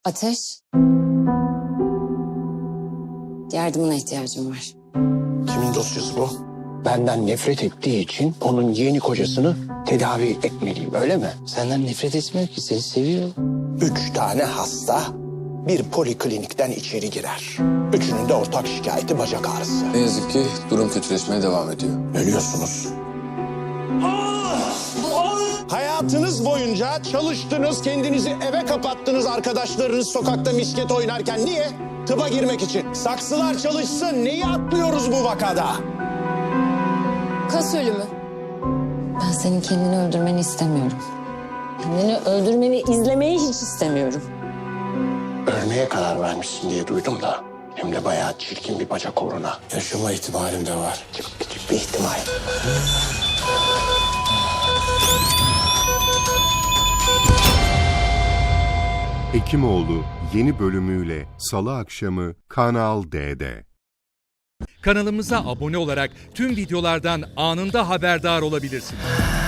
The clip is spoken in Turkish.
Ateş. Yardımına ihtiyacım var. Kimin dosyası bu? Benden nefret ettiği için onun yeni kocasını tedavi etmeliyim, öyle mi? Senden nefret etmiyor ki, seni seviyor. 3 tane hasta bir poliklinikten içeri girer. Üçünün de ortak şikayeti bacak ağrısı. Ne yazık ki durum kötüleşmeye devam ediyor. Ölüyorsunuz. Hayatınız boyunca çalıştınız, kendinizi eve kapattınız arkadaşlarınız sokakta misket oynarken. Niye? Tıba girmek için. Saksılar çalışsın. Neyi atlıyoruz bu vakada? Kas ölümü. Ben senin kendini öldürmeni istemiyorum. Kendini öldürmeni izlemeyi hiç istemiyorum. Ölmeye karar vermişsin diye duydum da. Hem de bayağı çirkin bir bacak uğruna. Yaşama ihtimalim de var. Çok küçük bir ihtimal. Hekimoğlu yeni bölümüyle Salı akşamı Kanal D'de. Kanalımıza abone olarak tüm videolardan anında haberdar olabilirsiniz.